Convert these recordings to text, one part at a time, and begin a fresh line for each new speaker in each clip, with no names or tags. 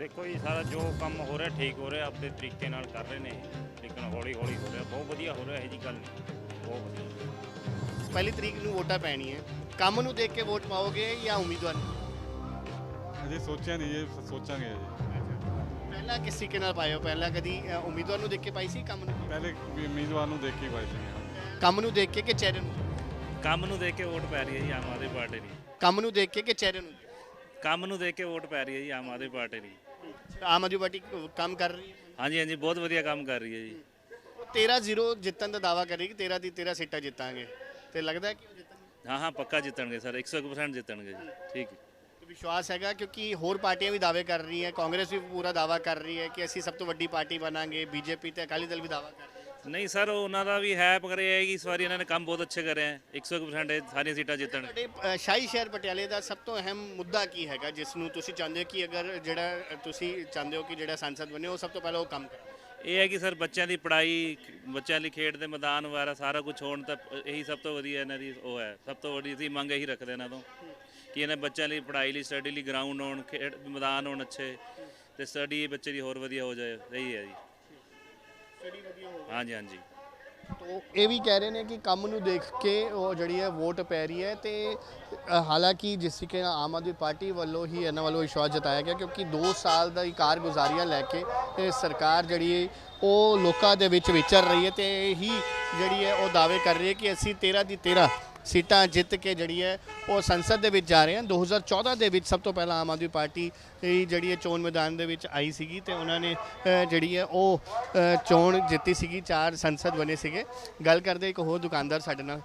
देखो जी सारा जो काम हो रहा ठीक हो रहा अपने तरीके नाल कर रहे हैं लेकिन हौली हौली हो रहा बहुत वधिया हो रहा है जी गल नहीं बहुत वधिया।
ਪਹਿਲੀ ਤਰੀਕ ਨੂੰ ਵੋਟਾਂ ਪੈਣੀਆਂ ਕੰਮ ਨੂੰ ਦੇਖ ਕੇ ਵੋਟ ਪਾਓਗੇ ਜਾਂ ਉਮੀਦਵਾਰ ਨੂੰ?
ਅਜੇ ਸੋਚਿਆ ਨਹੀਂ, ਇਹ ਸੋਚਾਂਗੇ ਅਜੇ।
ਪਹਿਲਾਂ ਕਿਸ ਤਰੀਕੇ ਨਾਲ ਪਾਇਓ? ਪਹਿਲਾਂ ਕਦੀ ਉਮੀਦਵਾਰ ਨੂੰ ਦੇਖ ਕੇ ਪਾਈ ਸੀ ਕੰਮ ਨੂੰ?
ਪਹਿਲੇ ਵੀ ਉਮੀਦਵਾਰ ਨੂੰ ਦੇਖ ਕੇ ਪਾਈ ਸੀ।
ਕੰਮ ਨੂੰ ਦੇਖ ਕੇ ਕਿ ਚਿਹਰੇ ਨੂੰ?
ਕੰਮ ਨੂੰ ਦੇਖ ਕੇ ਵੋਟ ਪੈ ਰਹੀ ਹੈ ਜੀ ਆਮ ਆਦਮੀ ਪਾਰਟੀ ਦੀ।
ਕੰਮ ਨੂੰ ਦੇਖ ਕੇ ਕਿ ਚਿਹਰੇ ਨੂੰ?
ਕੰਮ ਨੂੰ ਦੇਖ ਕੇ ਵੋਟ ਪੈ ਰਹੀ ਹੈ ਜੀ ਆਮ ਆਦਮੀ ਪਾਰਟੀ ਦੀ।
ਆਮ ਆਦਮੀ ਪਾਰਟੀ ਕੰਮ ਕਰ ਰਹੀ ਹੈ।
ਹਾਂਜੀ ਹਾਂਜੀ ਬਹੁਤ ਵਧੀਆ ਕੰਮ ਕਰ ਰਹੀ ਹੈ ਜੀ।
13-0 ਜਿੱਤਣ ਦਾ ਦਾਵਾ ਕਰ ਰਹੀ ਕਿ 13 ਦੀ 13 ਸੀਟਾਂ ਜਿੱਤਾਂਗੇ ਤੇ ਲੱਗਦਾ ਹੈ ਕਿ ਉਹ ਜਿੱਤਣਗੇ?
ਹਾਂ ਹਾਂ ਪੱਕਾ ਜਿੱਤਣਗੇ ਸਰ 100% ਜਿੱਤਣਗੇ ਜੀ। ਠੀਕ ਹੈ।
ਤੇ ਵਿਸ਼ਵਾਸ ਹੈਗਾ ਕਿਉਂਕਿ ਹੋਰ ਪਾਰਟੀਆਂ ਵੀ ਦਾਅਵੇ ਕਰ ਰਹੀਆਂ, ਕਾਂਗਰਸ ਵੀ ਪੂਰਾ ਦਾਅਵਾ ਕਰ ਰਹੀ ਹੈ ਕਿ ਅਸੀਂ ਸਭ ਤੋਂ ਵੱਡੀ ਪਾਰਟੀ ਬਣਾਂਗੇ, ਬੀਜੇਪੀ ਤੇ ਅਕਾਲੀ ਦਲ ਵੀ ਦਾਅਵਾ ਕਰ ਰਹੇ ਹੈ।
ਨਹੀਂ ਸਰ ਉਹਨਾਂ ਦਾ ਵੀ ਹੈ ਪਰ ਇਹ ਹੈ ਕਿ ਇਸ ਵਾਰੀ ਇਹਨਾਂ ਨੇ ਕੰਮ ਬਹੁਤ ਅੱਛੇ ਕਰੇ ਹੈ 100% ਇਹ ਸਾਰੀਆਂ ਸੀਟਾਂ ਜਿੱਤਣ।
ਤੁਹਾਡੇ ਸ਼ਾਹੀ ਸ਼ਹਿਰ ਪਟਿਆਲੇ ਦਾ ਸਭ ਤੋਂ ਅਹਿਮ ਮੁੱਦਾ ਕੀ ਹੈਗਾ ਜਿਸ ਨੂੰ ਤੁਸੀਂ ਚਾਹੁੰਦੇ ਹੋ ਕਿ ਅਗਰ ਜਿਹੜਾ ਤੁਸੀਂ ਚਾਹੁੰਦੇ ਹੋ ਕਿ ਜਿਹੜਾ ਸੰਸਦ ਬਣੇ ਉਹ ਸਭ ਤੋਂ ਪਹਿਲਾਂ ਉਹ ਕੰਮ ਕਰੇ?
ਇਹ ਹੈ ਕਿ ਸਰ ਬੱਚਿਆਂ ਦੀ ਪੜ੍ਹਾਈ, ਬੱਚਿਆਂ ਲਈ ਖੇਡ ਦੇ ਮੈਦਾਨ ਵਗੈਰਾ ਸਾਰਾ ਕੁਝ ਹੋਣ ਤਾਂ ਇਹੀ ਸਭ ਤੋਂ ਵਧੀਆ ਇਹਨਾਂ ਦੀ ਉਹ ਹੈ। ਸਭ ਤੋਂ ਵੱਡੀ ਅਸੀਂ ਮੰਗ ਇਹੀ ਰੱਖਦੇ ਇਹਨਾਂ ਤੋਂ ਕਿ ਇਹਨਾਂ ਬੱਚਿਆਂ ਲਈ ਪੜ੍ਹਾਈ ਲਈ ਸਟੱਡੀ ਲਈ ਗਰਾਊਂਡ ਹੋਣ, ਖੇਡ ਮੈਦਾਨ ਹੋਣ ਅੱਛੇ ਤੇ ਸਟੱਡੀ ਬੱਚੇ ਦੀ ਹੋਰ ਵਧੀਆ ਹੋ ਜਾਏ। ਇਹੀ ਹੈ ਜੀ।
ਸਟੱਡੀ ਵਧੀਆ ਹੋਵੇ।
ਹਾਂਜੀ ਹਾਂਜੀ।
ਤੋ ਇਹ ਵੀ ਕਹਿ ਰਹੇ ਨੇ ਕਿ ਕੰਮ ਨੂੰ ਦੇਖ ਕੇ ਉਹ ਜਿਹੜੀ ਹੈ ਵੋਟ ਪੈ ਰਹੀ ਹੈ ਤੇ ਹਾਲਾਂਕਿ ਜਿਸ ਤਰੀਕੇ ਨਾਲ ਆਮ ਆਦਮੀ ਪਾਰਟੀ ਵੱਲੋਂ ਹੀ ਇਹਨਾਂ ਵੱਲੋਂ ਵਿਸ਼ਵਾਸ ਜਤਾਇਆ ਗਿਆ ਕਿਉਂਕਿ 2 ਸਾਲ ਦਾ ਕਾਰਗੁਜ਼ਾਰੀਆਂ ਲੈ ਕੇ ਇਹ ਸਰਕਾਰ ਜਿਹੜੀ ਹੈ ਉਹ ਲੋਕਾਂ ਦੇ ਵਿੱਚ ਵਿਚਰ ਰਹੀ ਹੈ ਤੇ ਹੀ ਜਿਹੜੀ ਹੈ ਉਹ ਦਾਅਵੇ ਕਰ ਰਹੀ ਹੈ ਕਿ ਅਸੀਂ 13 ਦੀ 13 ਸੀਟਾਂ ਜਿੱਤ ਕੇ ਜਿਹੜੀ ਹੈ ਉਹ ਸੰਸਦ ਦੇ ਵਿੱਚ ਜਾ ਰਹੇ ਹਨ। 2014 ਦੇ ਵਿੱਚ ਸਭ ਤੋਂ ਪਹਿਲਾਂ ਆਮ ਆਦਮੀ ਪਾਰਟੀ ਜਿਹੜੀ ਹੈ ਚੋਣ ਮੈਦਾਨ ਦੇ ਵਿੱਚ ਆਈ ਸੀਗੀ ਤੇ ਉਹਨਾਂ ਨੇ ਜਿਹੜੀ ਹੈ ਉਹ ਚੋਣ ਜਿੱਤੀ ਸੀਗੀ, 4 ਸੰਸਦ ਬਣੇ ਸੀਗੇ। ਗੱਲ ਕਰਦੇ ਇੱਕ ਹੋਰ ਦੁਕਾਨਦਾਰ ਸਾਡੇ ਨਾਲ।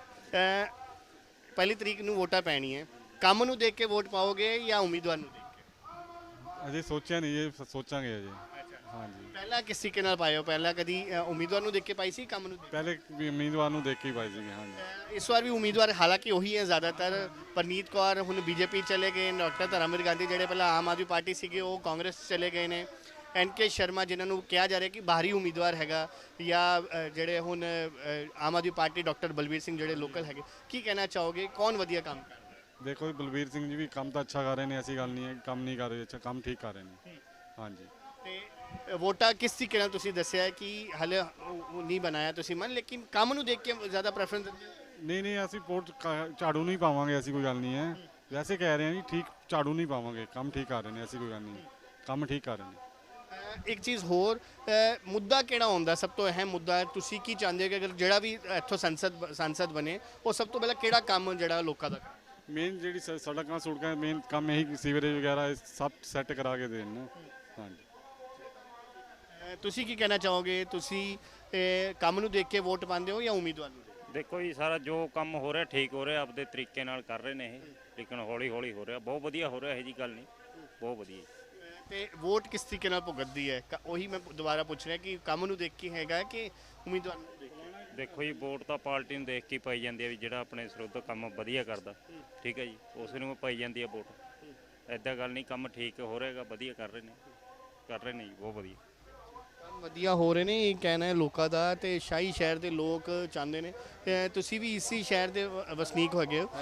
ਪਹਿਲੀ ਤਰੀਕ ਨੂੰ ਵੋਟਾਂ ਪੈਣੀਆਂ, ਕੰਮ ਨੂੰ ਦੇਖ ਕੇ ਵੋਟ ਪਾਓਗੇ ਜਾਂ ਉਮੀਦਵਾਰ ਨੂੰ ਦੇਖ ਕੇ?
ਅਜੇ ਸੋਚਿਆ ਨਹੀਂ, ਇਹ ਸੋਚਾਂਗੇ ਅਜੇ। ਹਾਂਜੀ
ਪਹਿਲਾਂ ਕਿਸ ਤਰੀਕੇ ਨਾਲ ਪਾਇਓ? ਪਹਿਲਾਂ ਕਦੀ ਉਮੀਦਵਾਰ ਨੂੰ ਦੇਖ ਕੇ ਪਾਈ ਸੀ ਕੰਮ ਨੂੰ?
ਪਹਿਲੇ ਵੀ ਉਮੀਦਵਾਰ ਨੂੰ ਦੇਖ ਕੇ ਪਾਈ ਸੀ। ਹਾਂਜੀ
ਇਸ ਵਾਰ ਵੀ ਉਮੀਦਵਾਰ ਹਾਲਾਂਕਿ ਉਹੀ ਹੈ ਜ਼ਿਆਦਾਤਰ। ਪਰਨੀਤ ਕੌਰ ਹੁਣ ਬੀਜੇਪੀ ਚਲੇ ਗਏ, ਡਾਕਟਰ ਧਰਮਵੀਰ ਗਾਂਧੀ ਜਿਹੜੇ ਪਹਿਲਾਂ ਆਮ ਆਦਮੀ ਪਾਰਟੀ ਸੀਗੇ ਉਹ ਕਾਂਗਰਸ ਚਲੇ ਗਏ ਨੇ, NK ਸ਼ਰਮਾ ਜਿਨ੍ਹਾਂ ਨੂੰ ਕਿਹਾ ਜਾ ਰਿਹਾ ਕਿ ਬਾਹਰੀ ਉਮੀਦਵਾਰ ਹੈਗਾ, ਜਾਂ ਜਿਹੜੇ ਹੁਣ ਆਮ ਆਦਮੀ ਪਾਰਟੀ ਡਾਕਟਰ ਬਲਬੀਰ ਸਿੰਘ ਜਿਹੜੇ ਲੋਕਲ ਹੈਗੇ। ਕੀ ਕਹਿਣਾ ਚਾਹੋਗੇ ਕੌਣ ਵਧੀਆ ਕੰਮ ਕਰ ਰਿਹਾ?
ਦੇਖੋ ਜੀ ਬਲਬੀਰ ਸਿੰਘ ਜੀ ਵੀ ਕੰਮ ਤਾਂ ਅੱਛਾ ਕਰ ਰਹੇ ਨੇ, ਐਸੀ ਗੱਲ ਨਹੀਂ ਹੈ ਕੰਮ ਨਹੀਂ ਕਰ ਰਹੇ, ਅੱਛਾ ਕੰਮ ਠੀਕ ਕਰ ਰਹੇ ਨੇ। ਹਾਂਜੀ
ਤੇ ਵੋਟਾਂ ਕਿਸ ਤਰੀਕੇ ਨਾਲ ਤੁਸੀਂ ਦੱਸਿਆ ਕਿ ਹਲੇ ਨਹੀਂ ਬਣਾਇਆ ਤੁਸੀਂ ਮਨ, ਲੇਕਿਨ ਕੰਮ ਨੂੰ ਦੇਖ ਕੇ ਜ਼ਿਆਦਾ ਪ੍ਰੈਫਰੈਂਸ ਦਿੰਦੇ ਹੋ?
ਨਹੀਂ ਅਸੀਂ ਵੋਟ ਝਾੜੂ ਨਹੀਂ ਪਾਵਾਂਗੇ, ਐਸੀ ਕੋਈ ਗੱਲ ਨਹੀਂ ਹੈ। ਵੈਸੇ ਕਹਿ ਰਹੇ ਹਾਂ ਜੀ ਠੀਕ, ਝਾੜੂ ਨਹੀਂ ਪਾਵਾਂਗੇ, ਕੰਮ ਠੀਕ ਕਰ ਰਹੇ ਨੇ, ਐਸੀ ਕੋਈ ਗੱਲ ਨਹੀਂ, ਕੰਮ ਠੀਕ ਕਰ ਰਹੇ ਨੇ।
ਇੱਕ ਚੀਜ਼ ਹੋਰ, ਮੁੱਦਾ ਕਿਹੜਾ ਹੁੰਦਾ ਸਭ ਤੋਂ ਅਹਿਮ ਮੁੱਦਾ? ਤੁਸੀਂ ਕੀ ਚਾਹੁੰਦੇ ਹੋ ਕਿ ਅਗਰ ਜਿਹੜਾ ਵੀ ਇੱਥੋਂ ਸੰਸਦ ਬਣੇ ਉਹ ਸਭ ਤੋਂ ਪਹਿਲਾਂ ਕਿਹੜਾ ਕੰਮ ਜਿਹੜਾ ਲੋਕਾਂ ਦਾ?
ਮੇਨ ਜਿਹੜੀ ਸੜਕਾਂ ਸੁੜਕਾਂ ਮੇਨ ਕੰਮ ਇਹੀ, ਸੀਵਰੇਜ ਵਗੈਰਾ ਇਹ ਸਭ ਸੈੱਟ ਕਰਾ ਕੇ ਦੇਣ ਨਾ। ਹਾਂਜੀ
ਤੁਸੀਂ ਕੀ ਕਹਿਣਾ ਚਾਹੋਗੇ? ਤੁਸੀਂ ਕੰਮ ਨੂੰ ਦੇਖ ਕੇ ਵੋਟ ਪਾਉਂਦੇ ਹੋ ਜਾਂ ਉਮੀਦਵਾਰ ਨੂੰ?
ਦੇਖੋ ਜੀ ਸਾਰਾ ਜੋ ਕੰਮ ਹੋ ਰਿਹਾ ਠੀਕ ਹੋ ਰਿਹਾ ਆਪਦੇ ਤਰੀਕੇ ਨਾਲ ਕਰ ਰਹੇ ਨੇ ਇਹ ਲੇਕਿਨ ਹੌਲੀ ਹੌਲੀ ਹੋ ਰਿਹਾ ਬਹੁਤ ਵਧੀਆ ਹੋ ਰਿਹਾ। ਇਹ ਜੀ ਗੱਲ ਨਹੀਂ ਬਹੁਤ ਵਧੀਆ।
ਤੇ ਵੋਟ ਕਿਸ ਤਰੀਕੇ ਨਾਲ ਭੁਗਤਦੀ ਹੈ? ਉਹੀ ਮੈਂ ਦੁਬਾਰਾ ਪੁੱਛ ਰਿਹਾ ਕਿ ਕੰਮ ਨੂੰ ਦੇਖ ਕੇ ਹੈਗਾ ਕਿ ਉਮੀਦਵਾਰ ਨੂੰ ਦੇਖ ਕੇ?
ਦੇਖੋ ਜੀ ਵੋਟ ਤਾਂ ਪਾਰਟੀ ਨੂੰ ਦੇਖ ਕੇ ਪਾਈ ਜਾਂਦੀ ਹੈ ਵੀ ਜਿਹੜਾ ਆਪਣੇ ਸਰੋਤ ਕੰਮ ਵਧੀਆ ਕਰਦਾ। ਠੀਕ ਹੈ ਜੀ, ਉਸ ਨੂੰ ਪਾਈ ਜਾਂਦੀ ਹੈ ਵੋਟ। ਐਦਾਂ ਗੱਲ ਨਹੀਂ, ਕੰਮ ਠੀਕ ਹੋ ਰਿਹਾਗਾ, ਵਧੀਆ ਕਰ ਰਹੇ ਨੇ ਜੀ ਬਹੁਤ ਵਧੀਆ
ਕੰਮ ਵਧੀਆ ਹੋ ਰਹੇ ਨੇ ਇਹ ਕਹਿਣਾ ਹੈ ਲੋਕਾਂ ਦਾ। ਤੇ ਸ਼ਾਹੀ ਸ਼ਹਿਰ ਦੇ ਲੋਕ ਚਾਹੁੰਦੇ ਨੇ, ਤੁਸੀਂ ਵੀ ਇਸੇ ਸ਼ਹਿਰ ਦੇ ਵਸਨੀਕ ਹੈਗੇ ਹੋ।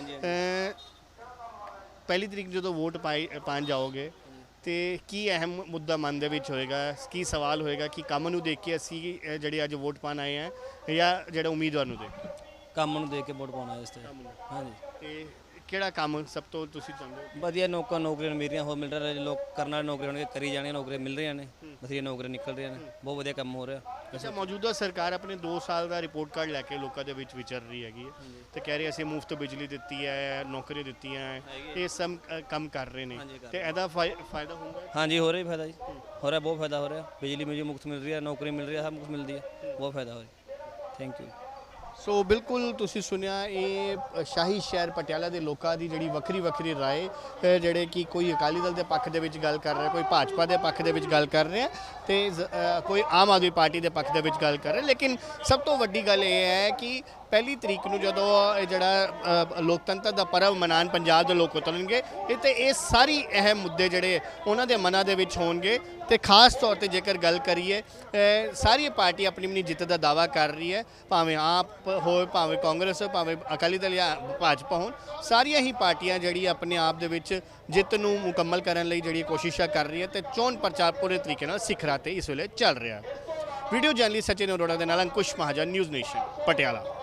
ਪਹਿਲੀ ਤਰੀਕ ਜਦੋਂ ਵੋਟ ਪਾਉਣ ਜਾਓਗੇ ਤੇ ਕੀ ਅਹਿਮ ਮੁੱਦਾ ਮਨ ਦੇ ਵਿੱਚ ਹੋਏਗਾ? ਕੀ ਸਵਾਲ ਹੋਏਗਾ ਕਿ ਕੰਮ ਨੂੰ ਦੇਖ ਕੇ ਅਸੀਂ ਜਿਹੜੇ ਅੱਜ ਵੋਟ ਪਾਉਣ ਆਏ ਹਾਂ ਜਾਂ ਜਿਹੜਾ ਉਮੀਦਵਾਰ ਨੂੰ ਦੇਖ ਕੇ?
ਕੰਮ ਨੂੰ ਦੇਖ ਕੇ ਵੋਟ ਪਾਉਣਾ ਇਸ ਤੇ। ਹਾਂਜੀ
ਤੇ ਕਿਹੜਾ ਕੰਮ ਸਭ ਤੋਂ ਤੁਸੀਂ ਚਾਹੁੰਦੇ ਹੋ?
ਵਧੀਆ ਨੌਕਰੀਆਂ ਮਿਲ ਰਹੀਆਂ, ਹੋਰ ਮਿਲ ਰਿਹਾ, ਲੋਕ ਕਰਨ ਵਾਲੇ ਨੌਕਰੀਆਂ ਹੋਣਗੇ, ਕਰੀ ਜਾਣੀਆਂ, ਨੌਕਰੀਆਂ ਮਿਲ ਰਹੀਆਂ ਨੇ, ਵਧੀਆ ਨੌਕਰੀਆਂ ਨਿਕਲ ਰਹੀਆਂ ਨੇ, ਬਹੁਤ ਵਧੀਆ ਕੰਮ ਹੋ ਰਿਹਾ।
ਅੱਛਾ, ਮੌਜੂਦਾ ਸਰਕਾਰ ਆਪਣੇ 2 ਸਾਲ ਦਾ ਰਿਪੋਰਟ ਕਾਰਡ ਲੈ ਕੇ ਲੋਕਾਂ ਦੇ ਵਿੱਚ ਵਿਚਰ ਰਹੀ ਹੈਗੀ ਹੈ ਤੇ ਕਹਿ ਰਹੀ ਅਸੀਂ ਮੁਫਤ ਬਿਜਲੀ ਦਿੱਤੀ ਹੈ, ਨੌਕਰੀਆਂ ਦਿੱਤੀਆਂ ਹੈ, ਇਹ ਸਭ ਕੰਮ ਕਰ ਰਹੇ ਨੇ ਤੇ ਇਹਦਾ ਫਾਇਦਾ ਹੁੰਦਾ?
ਹਾਂਜੀ ਹੋ ਰਿਹਾ ਫਾਇਦਾ ਜੀ, ਹੋ ਰਿਹਾ, ਬਹੁਤ ਫਾਇਦਾ ਹੋ ਰਿਹਾ। ਬਿਜਲੀ ਮੁਝੇ ਮੁਫਤ ਮਿਲ ਰਹੀ ਹੈ, ਨੌਕਰੀ ਮਿਲ ਰਹੀ ਹੈ, ਸਭ ਕੁਛ ਮਿਲਦੀ ਹੈ, ਬਹੁਤ ਫਾਇਦਾ ਹੋ ਰਿਹਾ। Thank you.
ਸੋ ਬਿਲਕੁਲ ਤੁਸੀਂ ਸੁਣਿਆ, ਇਹ ਸ਼ਾਹੀ ਸ਼ਹਿਰ ਪਟਿਆਲਾ ਦੇ ਲੋਕਾਂ ਦੀ ਜਿਹੜੀ ਵੱਖਰੀ ਰਾਏ, ਜਿਹੜੇ ਕਿ ਕੋਈ ਅਕਾਲੀ ਦਲ ਦੇ ਪੱਖ ਦੇ ਵਿੱਚ ਗੱਲ ਕਰ ਰਿਹਾ, ਕੋਈ ਭਾਜਪਾ ਦੇ ਪੱਖ ਦੇ ਵਿੱਚ ਗੱਲ ਕਰ ਰਿਹਾ ਤੇ ਕੋਈ ਆਮ ਆਦਮੀ ਪਾਰਟੀ ਦੇ ਪੱਖ ਦੇ ਵਿੱਚ ਗੱਲ ਕਰ ਰਿਹਾ। ਲੇਕਿਨ ਸਭ ਤੋਂ ਵੱਡੀ ਗੱਲ ਇਹ ਹੈ ਕਿ ਪਹਿਲੀ ਤਰੀਕ ਨੂੰ ਜਦੋਂ ਇਹ ਜਿਹੜਾ ਲੋਕਤੰਤਰ ਦਾ ਪਰਵ ਮਨਾਉਣ ਪੰਜਾਬ ਦੇ ਲੋਕ ਉਤਰਨਗੇ ਤੇ ਇਹ ਸਾਰੀ ਅਹਿਮ ਮੁੱਦੇ ਜਿਹੜੇ ਉਹਨਾਂ ਦੇ ਮਨਾਂ ਦੇ ਵਿੱਚ ਹੋਣਗੇ। ਤੇ ਖਾਸ ਤੌਰ ਤੇ ਜੇਕਰ ਗੱਲ ਕਰੀਏ ਸਾਰੀ ਪਾਰਟੀ ਆਪਣੀ ਆਪਣੀ ਜਿੱਤ ਦਾ ਦਾਅਵਾ ਕਰ ਰਹੀ ਹੈ, ਭਾਵੇਂ ਆਪ ਹੋਵੇ, ਭਾਵੇਂ ਕਾਂਗਰਸ, ਭਾਵੇਂ ਅਕਾਲੀ ਦਲ ਜਾਂ ਭਾਜਪਾ ਹੋਣ, ਸਾਰੀਆਂ ਹੀ ਪਾਰਟੀਆਂ ਜਿਹੜੀ ਆਪਣੇ ਆਪ ਦੇ ਵਿੱਚ ਜਿੱਤ ਨੂੰ ਮੁਕੰਮਲ ਕਰਨ ਲਈ ਜਿਹੜੀ ਕੋਸ਼ਿਸ਼ਾਂ ਕਰ ਰਹੀ ਹੈ ਤੇ ਚੋਣ ਪ੍ਰਚਾਰ ਪੂਰੇ ਤਰੀਕੇ ਨਾਲ ਸਿਖਰਾਂ ਤੇ ਇਸ ਵੇਲੇ ਚੱਲ ਰਿਹਾ। ਵੀਡੀਓ ਜਰਨਲਿਸਟ ਸਚਿਨ ਅਰੋੜਾ ਦੇ ਨਾਲ ਅੰਕੁਸ਼ ਮਹਾਜਨ, ਨਿਊਜ਼ ਨੇਸ਼ਨ, ਪਟਿਆਲਾ।